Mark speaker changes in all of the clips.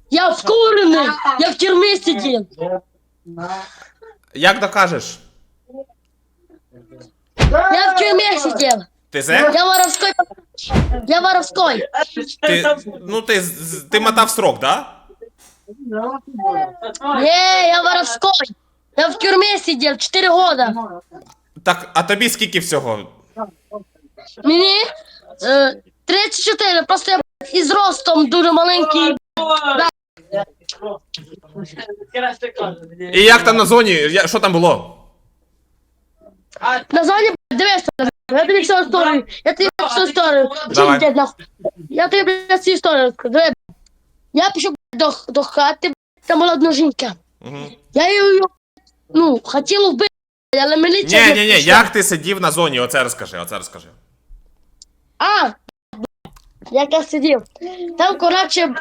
Speaker 1: Я вкурений! Я в тюрмі сидів!
Speaker 2: Як докажеш?
Speaker 1: Я в тюрмі сидів!
Speaker 2: Ти зек?
Speaker 1: Я воровской! Я воровской!
Speaker 2: Ти мотав срок, да?
Speaker 1: Не, я воровской! Я в тюрмі сидів 4 года!
Speaker 2: Так, а тобі скільки всього?
Speaker 1: Мені 34, просто я із ростом дуже маленький.
Speaker 2: І як там на зоні? Що там було?
Speaker 1: На зоні, дивись, я тобі всю історію,
Speaker 2: Давай.
Speaker 1: Дід, нахуй. Я тобі, блядь, всю історію розкажу. Диви, я пішов до хати, там була одна жінка.
Speaker 2: Угу.
Speaker 1: Я її, хотів вбити, але міліція не
Speaker 2: Ні,
Speaker 1: пішла.
Speaker 2: як ти сидів на зоні? Оце розкажи.
Speaker 1: А, як я сидів. Там, коротше,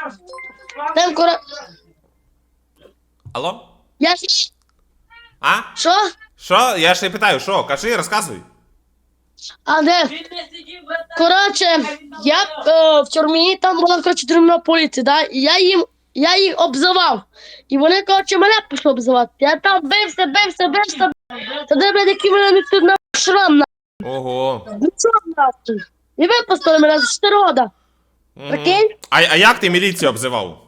Speaker 2: Алло?
Speaker 1: я,
Speaker 2: А?
Speaker 1: що?
Speaker 2: Що? Я ж і питаю, що? Кажи, розказуй.
Speaker 1: А де? Коротше, я в тюрмі, там була, коротше, тюрмна поліція, да? І я їх обзивав. І вони, коротше, мене пішли обзивати. Я там бився. Тоді, блядь, який мене не тут на шрам, на.
Speaker 2: Ого.
Speaker 1: Ну, що, нахуй? І випустили мене за 4 года.
Speaker 2: Мгм.
Speaker 1: Прикинь?
Speaker 2: А як ти міліцію обзивав?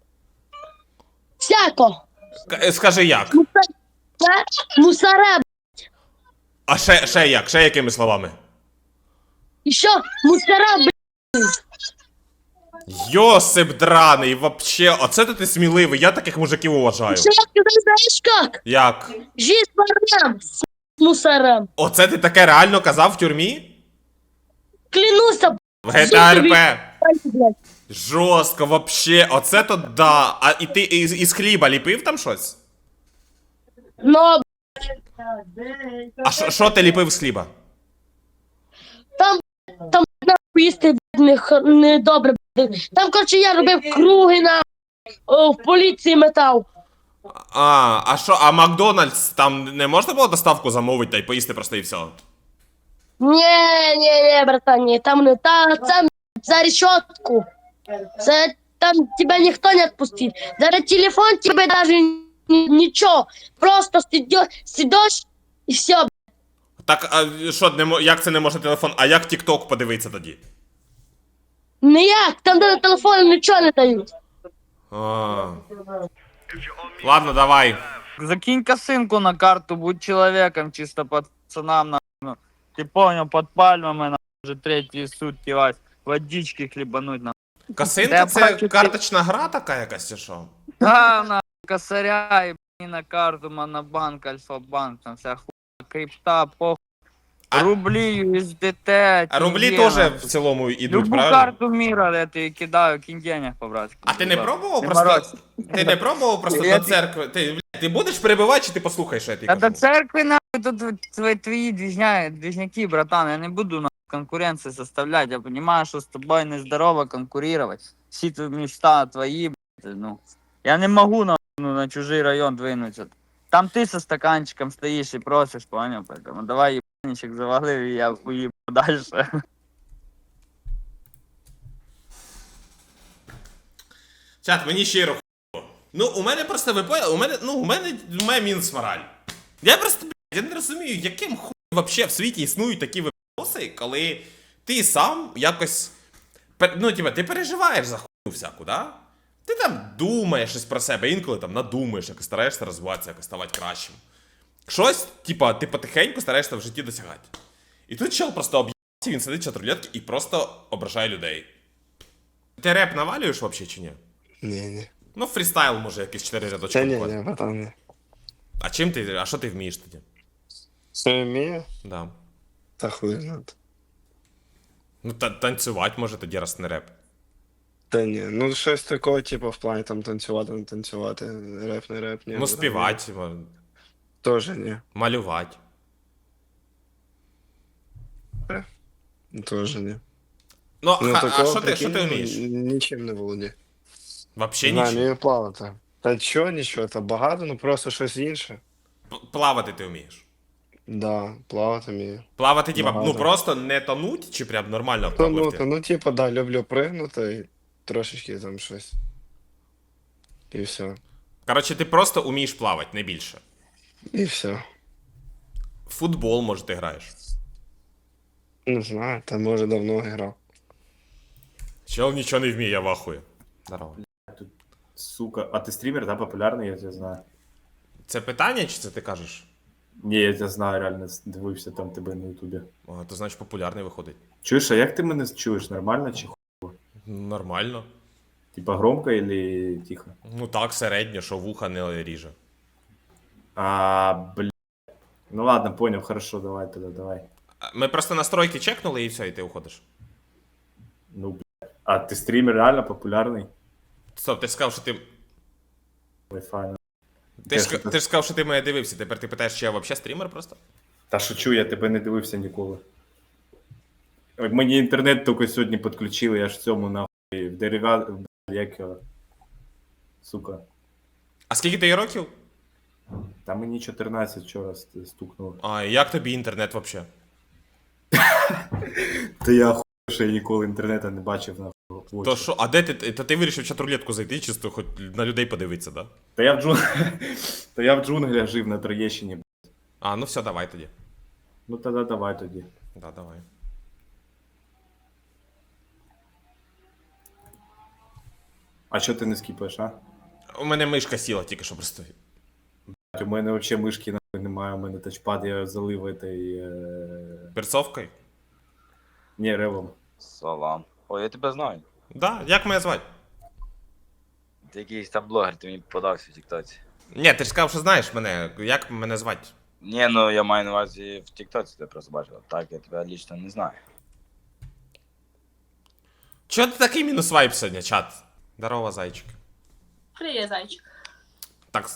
Speaker 1: Всяко.
Speaker 2: Скажи як?
Speaker 1: Мусора,
Speaker 2: А ще як? Ще якими словами?
Speaker 1: і що? Мусора, блядь.
Speaker 2: Йосип драний, вообще, оце то ти сміливий, я таких мужиків уважаю.
Speaker 1: Що, ти знаєш як?
Speaker 2: Як?
Speaker 1: Жизнь ворам, с мусорам.
Speaker 2: Оце ти таке реально казав в тюрмі?
Speaker 1: Клянуся,
Speaker 2: В ГТРП.
Speaker 1: блядь.
Speaker 2: Жорстко, вообще, оце то да. А і ти із хліба ліпив там щось?
Speaker 1: Но
Speaker 2: А що ти ліпив з хліба?
Speaker 1: там нахуй їсти не добре. Там, коротше, я робив круги в поліції метав.
Speaker 2: А Макдональдс там не можна було доставку замовити та й поїсти просто і все?
Speaker 1: Ні, братан, ні, там не це за решетку. Це там тебе ніхто не відпустить. Зараз телефон тебе даже нічого. Просто сидиш і все.
Speaker 2: Так, а що, як це не може телефон? А як TikTok подивитися тоді?
Speaker 1: Ніяк, там до телефону нічого не дають.
Speaker 2: А. Ладно, давай.
Speaker 3: Закинь косынку на карту, будь человеком, чисто пацанам, ну, ты понял, под пальмами, уже третьи сутки, Вась, водички хлебануть, на.
Speaker 2: Косинка
Speaker 3: Я
Speaker 2: це
Speaker 3: бачу,
Speaker 2: карточна гра така якась чи що?
Speaker 3: Да, на, косаря, и на карту, монобанк, альфа-банк, там вся хуйня, крипта, похуй,
Speaker 2: А-
Speaker 3: рубли, USDT,
Speaker 2: А рублі
Speaker 3: тенге,
Speaker 2: теж
Speaker 3: нахуй.
Speaker 2: в цілому йдуть,
Speaker 3: Любую
Speaker 2: правильно?
Speaker 3: карту мира я тебе кидаю, кинь денег по-братски.
Speaker 2: А ти не
Speaker 3: Будь ласка.
Speaker 2: пробував
Speaker 3: Не
Speaker 2: просто.
Speaker 3: морозь.
Speaker 2: Ти не пробував просто
Speaker 3: Я
Speaker 2: до церкви. Ти будеш перебивати, чи ти послухаєш, що я тобі
Speaker 3: Да до
Speaker 2: кажу?
Speaker 3: церкви нахуй тут твои движняки, братан. Я не буду нахуй конкуренции составлять. Я понимаю, что с тобой нездорово конкурировать. Все твои мечта твои, блядь, ну. Я не могу на чужий район двинуться. Там ты со стаканчиком стоишь и просишь, понял? Поэтому давай ебаничек завалил, и я уебу дальше.
Speaker 2: Чат, мені щиро хуйово. Ну, у мене просто ви поняли, у мене мінус мораль. Я просто, блядь, я не розумію, яким хуй вообще в світі існують такі випадки, коли ти сам якось, ти переживаєш за хуйню всяку, да? Ти там думаєш щось про себе, інколи там надумаєш, якось стараєшся розвиватися, якось ставати кращим. Щось, ти потихеньку стараєшся в житті досягати. І тут чел просто об'єбався, він сидить чат рулетки і просто ображає людей. Ти реп навалюєш вообще чи ні?
Speaker 4: Не.
Speaker 2: Ну, фрістайл може якісь 4 рядочки.
Speaker 4: Та ні,
Speaker 2: буквально.
Speaker 4: братан, не.
Speaker 2: А що ти вмієш тоді?
Speaker 4: Що вмію?
Speaker 2: Да.
Speaker 4: Та хуй знати.
Speaker 2: Ну, танцювати може тоді, раз не реп.
Speaker 4: Та ні, ну щось такого, типу, в плані там танцювати, не танцювати, реп, не реп, ні.
Speaker 2: Ну, співати,
Speaker 4: Теж ні.
Speaker 2: малювати.
Speaker 4: Теж ні.
Speaker 2: Ну,
Speaker 4: Ну,
Speaker 2: а
Speaker 4: такого,
Speaker 2: що ти
Speaker 4: прикинь,
Speaker 2: вмієш?
Speaker 4: Нічим не володію.
Speaker 2: Вообще
Speaker 4: Не знаю,
Speaker 2: нічого.
Speaker 4: вмію плавати. Та чого, нічого, та багато, ну просто щось інше.
Speaker 2: Плавати ти вмієш.
Speaker 4: Да, плавати вмію.
Speaker 2: Плавати, типа,
Speaker 4: Багато.
Speaker 2: просто не тонуть, чи прям нормально
Speaker 4: Тонути,
Speaker 2: впливти?
Speaker 4: ну типу, да, люблю пригнути і трошечки там щось. І все.
Speaker 2: Коротше, ти просто умієш плавати, не більше.
Speaker 4: І все.
Speaker 2: Футбол, може, ти граєш.
Speaker 4: Не знаю, там може давно грав.
Speaker 2: Чел нічого не вміє, я вахую. Здорово.
Speaker 5: Сука, а ты стример, да, популярный, я тебя знаю.
Speaker 2: Це питання, чи це ти кажеш?
Speaker 5: Не, я тебя знаю, реально, дивився там тебе на ютубі.
Speaker 2: О, то значить популярний виходить.
Speaker 5: Чуєш, а як ти мене чуєш? Нормально чи хуй?
Speaker 2: Нормально.
Speaker 5: Типа громко или тихо?
Speaker 2: Ну так, середньо, що вуха не ріже.
Speaker 5: Бля. Ну ладно, понял, хорошо, давай тогда, давай.
Speaker 2: Ми просто настройки чекнули і все, і ти уходиш.
Speaker 5: Ну, бля. А ты стример реально популярный?
Speaker 2: Стоп, ти ж сказав, що ти.
Speaker 5: Wi-Fi.
Speaker 2: Ти ж сказав, що ти мене дивився. Тепер ти питаєш, чи я взагалі стрімер просто?
Speaker 5: Та шучу, я тебе не дивився ніколи. Мені інтернет тільки сьогодні підключили, я ж в цьому нахуй в дерев'я... Як його? Сука.
Speaker 2: А скільки ти років?
Speaker 5: Та мені 14 вчора стукнуло.
Speaker 2: А, і як тобі інтернет взагалі?
Speaker 5: Та я хуй, що я ніколи інтернету не бачив нахуй. в очі.
Speaker 2: То що, а де ти? Та ти вирішив в чат-рулетку зайти, чисто хоч на людей подивитися, да?
Speaker 5: Та я в джунглях жив на Троєщині.
Speaker 2: А, ну все, давай тоді.
Speaker 5: Ну тоді давай тоді.
Speaker 2: Да, давай.
Speaker 5: А що ти не скіпаєш, а?
Speaker 2: У мене мишка сіла тільки що просто.
Speaker 5: У мене взагалі мишки нахуй немає, у мене тачпад, я залив этой...
Speaker 2: Перцовкою?
Speaker 5: Ні, ревом.
Speaker 6: Салам. Ой, я тебе знаю.
Speaker 2: Да, як мене звати?
Speaker 6: Ти якийсь там блогер, ти мені подався в Тіктоці.
Speaker 2: Ні, ти ж сказав, що знаєш мене. Як мене звати?
Speaker 6: Ні, ну я маю на увазі в Тіктоці тебе просто бачив. Так, я тебе лічно не знаю.
Speaker 2: Чого ти такий мінус вайп сьогодні, чат? Здорово, зайчик.
Speaker 7: Привет, зайчик.
Speaker 2: Так.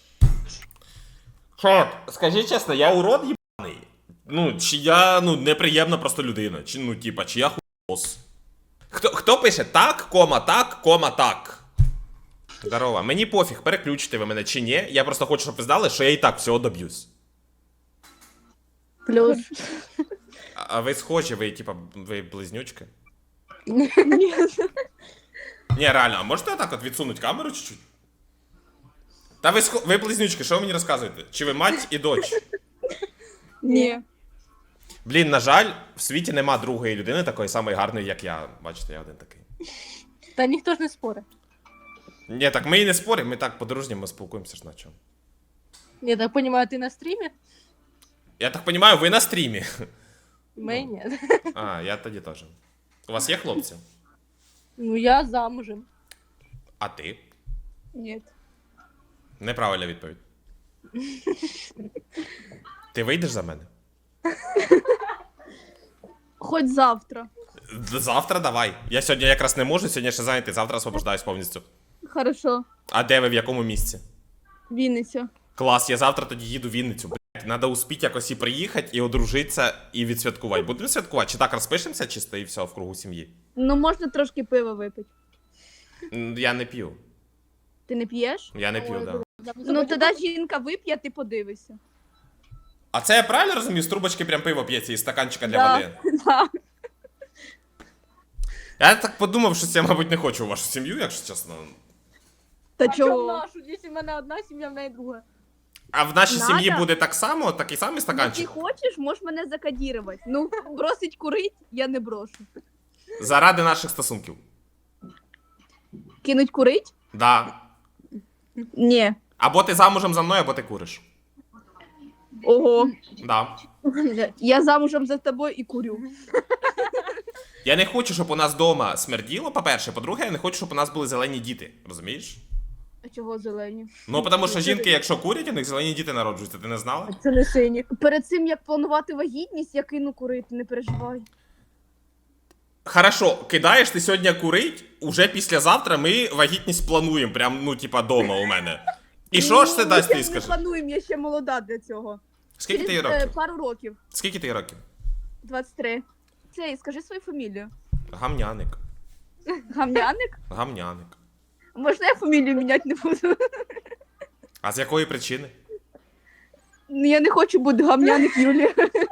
Speaker 2: Чат, скажи чесно, я урод єбаний? Ну, чи я, неприємна просто людина? Чи, чи я хуйос? Хто пише так, кома, так? Здорово, мені пофіг, переключите ви мене чи ні. Я просто хочу, щоб ви знали, що я і так всього доб'юсь.
Speaker 1: Плюс.
Speaker 2: А ви схожі, ви близнючки?
Speaker 7: Ні.
Speaker 2: Ні, реально, а можете так от відсунути камеру чуть-чуть? Та ви близнючки, що ви мені розказуєте? Чи ви мать і дочь?
Speaker 7: Ні.
Speaker 2: Блін, на жаль, в світі нема другої людини такої самої гарної, як я. Бачите, я один такий.
Speaker 7: Та ніхто ж не спорить.
Speaker 2: Ні, так ми і не споримо, ми так по-дружньому спілкуємося ж на чому.
Speaker 7: Я так понимаю, ти на стрімі?
Speaker 2: Я так розумію, ви на стрімі.
Speaker 7: Ми ні.
Speaker 2: А, я тоді теж. У вас є хлопці?
Speaker 7: Ну я замужем.
Speaker 2: А ти?
Speaker 7: Ні.
Speaker 2: Неправильна відповідь. Ти вийдеш за мене?
Speaker 7: Хоч завтра.
Speaker 2: Завтра давай. Я сьогодні якраз не можу, сьогодні ще зайнятий, завтра освобождаюсь повністю.
Speaker 7: Хорошо.
Speaker 2: А де ви, в якому місці?
Speaker 7: Вінниця.
Speaker 2: Клас, я завтра тоді їду в Вінницю, блядь. Надо успіть якось і приїхати, і одружитися, і відсвяткувати. Будемо святкувати? Чи так розпишемося чисто і все в кругу сім'ї?
Speaker 7: Ну можна трошки пива випити.
Speaker 2: Я не п'ю.
Speaker 7: Ти не п'єш?
Speaker 2: Я не п'ю, да.
Speaker 7: Ну тоді жінка вип'є, ти подивишся.
Speaker 2: А це я правильно розумію? З трубочки прям пиво п'ється із стаканчика для
Speaker 7: Да.
Speaker 2: води?
Speaker 7: Да.
Speaker 2: Я так подумав, що я, мабуть, не хочу у вашу сім'ю, якщо чесно.
Speaker 7: Та чого? Нашу, якщо в мене одна сім'я, в неї друга.
Speaker 2: А в нашій
Speaker 7: Надо.
Speaker 2: сім'ї буде так само, такий самий
Speaker 7: Ну, ти
Speaker 2: стаканчик?
Speaker 7: хочеш, можеш мене закодірувати. Ну, бросить курить, я не брошу.
Speaker 2: Заради наших стосунків.
Speaker 7: Кинуть курить?
Speaker 2: Да.
Speaker 7: Ні.
Speaker 2: Або ти замужем за мною, або ти куриш.
Speaker 7: Ого.
Speaker 2: Да.
Speaker 7: Я замужем за тобою і курю.
Speaker 2: Я не хочу, щоб у нас вдома смерділо, по-перше. По-друге, я не хочу, щоб у нас були зелені діти. Розумієш?
Speaker 7: А чого зелені?
Speaker 2: Ну, тому що жінки, якщо курять, у них зелені діти народжуються. Ти не знала?
Speaker 7: Це не сині. Перед цим, як планувати вагітність, я кину курити, не переживай.
Speaker 2: Хорошо, кидаєш ти сьогодні курить, уже післязавтра ми вагітність плануємо, прям, дома у мене. І що ж це дасть, ти
Speaker 7: Ми
Speaker 2: скажи?
Speaker 7: плануємо, я ще молода для цього.
Speaker 2: Скільки ти
Speaker 7: Через,
Speaker 2: років?
Speaker 7: пару років.
Speaker 2: Скільки ти років?
Speaker 7: 23. Цей, скажи свою фамілію.
Speaker 2: Гамняник.
Speaker 7: Гамняник?
Speaker 2: Гамняник.
Speaker 7: Можна я фамілію міняти не буду?
Speaker 2: А з якої причини?
Speaker 7: Ну, я не хочу бути гамняник Юлія.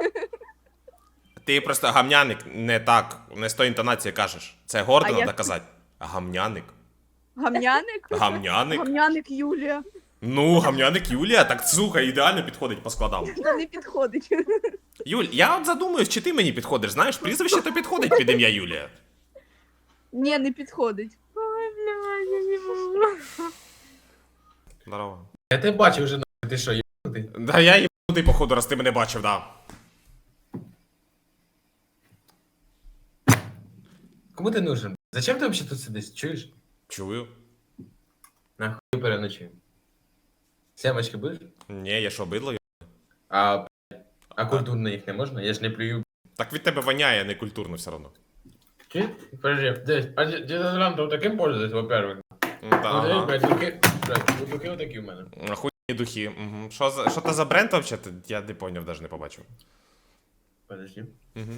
Speaker 2: Ти просто гамняник не так, не з тої інтонації кажеш. Це гордо
Speaker 7: А
Speaker 2: треба
Speaker 7: як?
Speaker 2: казати. Гамняник.
Speaker 7: Гамняник?
Speaker 2: Гамняник.
Speaker 7: Гамняник Юлія.
Speaker 2: Ну, гамняник Юлія, так слухай, ідеально підходить по складам.
Speaker 7: Та не підходить.
Speaker 2: Юль, я от задумуюсь, чи ти мені підходиш, знаєш, прізвище то підходить під ім'я Юлія.
Speaker 7: Ні, не підходить.
Speaker 3: Ой, блядь, я не можу.
Speaker 2: Здорово.
Speaker 8: Я тебе бачив вже, нахуй, ти що, їбанутий?
Speaker 2: Да я їбанутий, походу, раз ти мене бачив, да.
Speaker 8: Кому ти нужен? Зачем ти взагалі тут сидиш? Чуєш?
Speaker 2: Чую.
Speaker 8: Нахуй переночуємо. Сямочки будеш?
Speaker 2: Ні, я що, бидло?
Speaker 8: А культурно їх не можна? Я ж не плюю.
Speaker 2: Так від тебе воняє некультурно все одно.
Speaker 8: Чи? Подожди, десь, а дезодорантом таким пользуюсь, во-первых. Ну,
Speaker 2: Ага.
Speaker 8: дивись, духи, блядь, духи отакі в мене.
Speaker 2: Охуєнні духи. Угу. Що це за бренд вообще? Я не поняв, навіть не побачив.
Speaker 8: Подожди.
Speaker 2: Угу.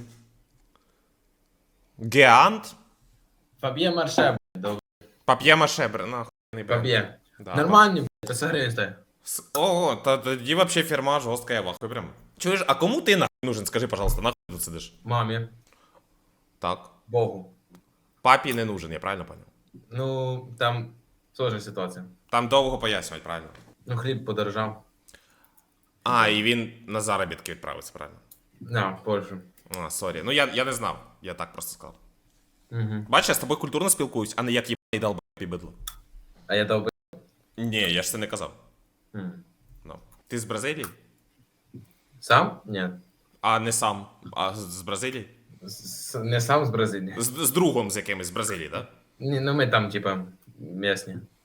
Speaker 2: Геант?
Speaker 8: Фаб'є Марше, блядь,
Speaker 2: Пап'є Машебр, нахуй.
Speaker 8: Фаб'є.
Speaker 2: Да,
Speaker 8: Нормальні, блядь, 500 гривень стоїть.
Speaker 2: Ого, тоді вообще фірма жорстка, я вахую прям. Чуєш, а кому ти нахуй нужен? Скажи, пожалуйста, нахуй тут сидиш?
Speaker 8: Мамі,
Speaker 2: Так.
Speaker 8: Богу.
Speaker 2: Папі не нужен, я правильно понял?
Speaker 8: Ну, там сложна ситуація.
Speaker 2: Там довго пояснювати, правильно?
Speaker 8: Ну, хліб подорожав.
Speaker 2: А, і він на заробітки відправиться, правильно?
Speaker 8: На, в Польщу.
Speaker 2: А, сорі. Ну я не знав, я так просто сказав.
Speaker 8: Угу.
Speaker 2: Бачиш, я з тобою культурно спілкуюсь, а не як їбаний долбай бидло.
Speaker 8: А я дав би...
Speaker 2: Ні, я ж це не казав.
Speaker 8: М.
Speaker 2: Ну. Ти з Бразилії?
Speaker 8: Сам? Ні.
Speaker 2: А не сам, а з Бразилії?
Speaker 8: Не сам з Бразилії.
Speaker 2: З другом з якимось з Бразилії, так?
Speaker 8: Ні, ну ми там, типа, місні.